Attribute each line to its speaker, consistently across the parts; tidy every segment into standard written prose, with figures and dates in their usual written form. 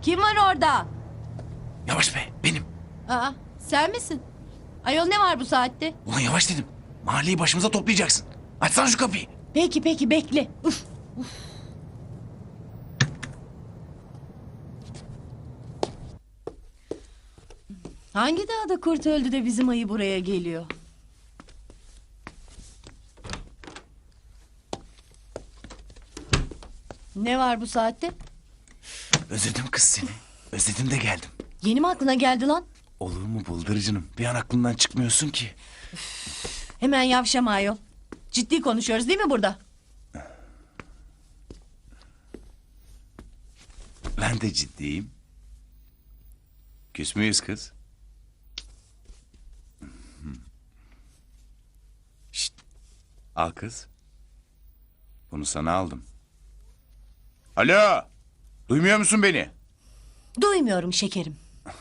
Speaker 1: Kim var orada?
Speaker 2: Yavaş be, benim.
Speaker 1: Aa, sen misin? Ayol ne var bu saatte?
Speaker 2: Ulan yavaş dedim. Mahalleyi başımıza toplayacaksın. Açsana şu kapıyı.
Speaker 1: Peki bekle. Uf. Hangi dağda kurt öldü de bizim ayı buraya geliyor? Ne var bu saatte?
Speaker 2: Özledim kız seni. Özledim de geldim.
Speaker 1: Yeni mi aklına geldi lan?
Speaker 2: Olur mu bıldırıcınım? Bir an aklımdan çıkmıyorsun ki.
Speaker 1: Hemen yavşama ayol. Ciddi konuşuyoruz değil mi burada?
Speaker 2: Ben de ciddiyim. Küs müyüz kız? Şşt. Al kız. Bunu sana aldım. Alo. Duymuyor musun beni?
Speaker 1: Duymuyorum şekerim.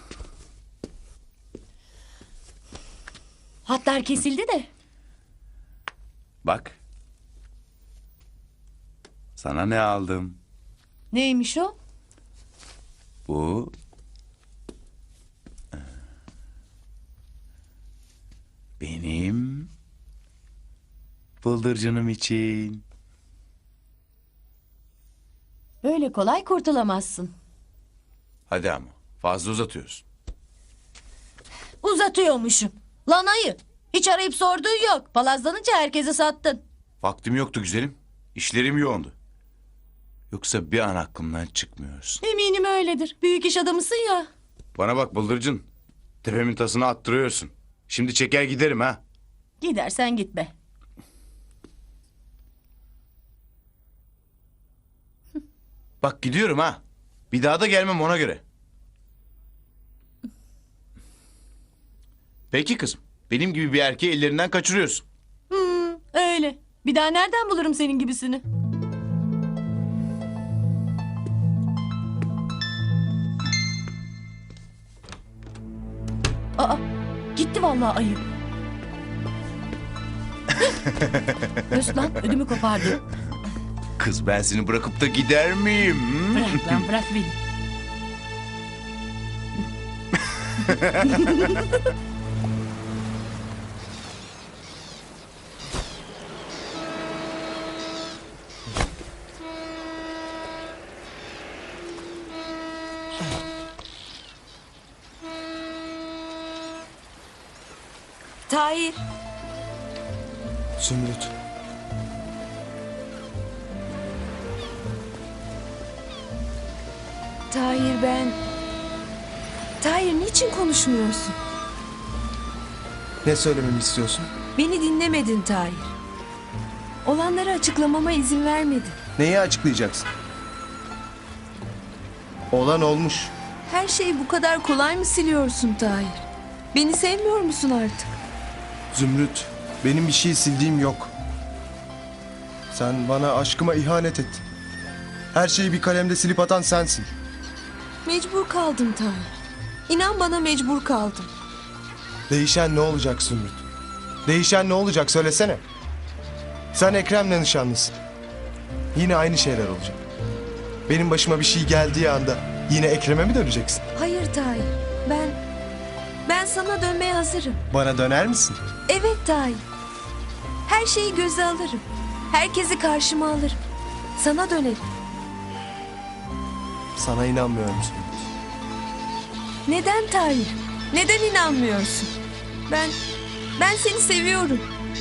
Speaker 1: Hatlar kesildi de.
Speaker 2: Bak. Sana ne aldım?
Speaker 1: Neymiş o?
Speaker 2: Bu... Benim... Bıldırcınım için.
Speaker 1: Öyle kolay kurtulamazsın.
Speaker 2: Hadi ama fazla uzatıyorsun.
Speaker 1: Uzatıyormuşum. Lan ayı. Hiç arayıp sorduğun yok. Palazlanınca herkese sattın.
Speaker 2: Vaktim yoktu güzelim. İşlerim yoğundu. Yoksa bir an aklımdan çıkmıyorsun.
Speaker 1: Eminim öyledir. Büyük iş adamısın ya.
Speaker 2: Bana bak bıldırcın. Tepemin tasını attırıyorsun. Şimdi çeker giderim ha.
Speaker 1: Gidersen git be.
Speaker 2: Bak gidiyorum ha. Bir daha da gelmem ona göre. Peki kızım. Benim gibi bir erkeği ellerinden kaçırıyorsun.
Speaker 1: Öyle. Bir daha nereden bulurum senin gibisini? Aa, gitti vallahi ayı. Öz lan, ödümü kopardı.
Speaker 2: Kız ben seni bırakıp da gider miyim?
Speaker 1: Bırak lan, bırak beni. Tahir.
Speaker 3: Zümrüt.
Speaker 4: Tahir ben... Tahir niçin konuşmuyorsun?
Speaker 3: Ne söylememi istiyorsun?
Speaker 4: Beni dinlemedin Tahir. Olanları açıklamama izin vermedin.
Speaker 3: Neyi açıklayacaksın? Olan olmuş.
Speaker 4: Her şeyi bu kadar kolay mı siliyorsun Tahir? Beni sevmiyor musun artık?
Speaker 3: Zümrüt, benim bir şey sildiğim yok. Sen bana aşkıma ihanet ettin. Her şeyi bir kalemde silip atan sensin.
Speaker 4: Mecbur kaldım Tahir. İnan bana mecbur kaldım.
Speaker 3: Değişen ne olacak Zümrüt? Değişen ne olacak söylesene. Sen Ekrem'le nişanlısın. Yine aynı şeyler olacak. Benim başıma bir şey geldiği anda yine Ekrem'e mi döneceksin?
Speaker 4: Hayır Tahir. Ben sana dönmeye hazırım.
Speaker 3: Bana döner misin?
Speaker 4: Evet Tahir. Her şeyi göze alırım. Herkesi karşıma alırım. Sana dönerim.
Speaker 3: Sana inanmıyorum Zümrüt.
Speaker 4: Neden Tahir? Neden inanmıyorsun? Ben seni seviyorum.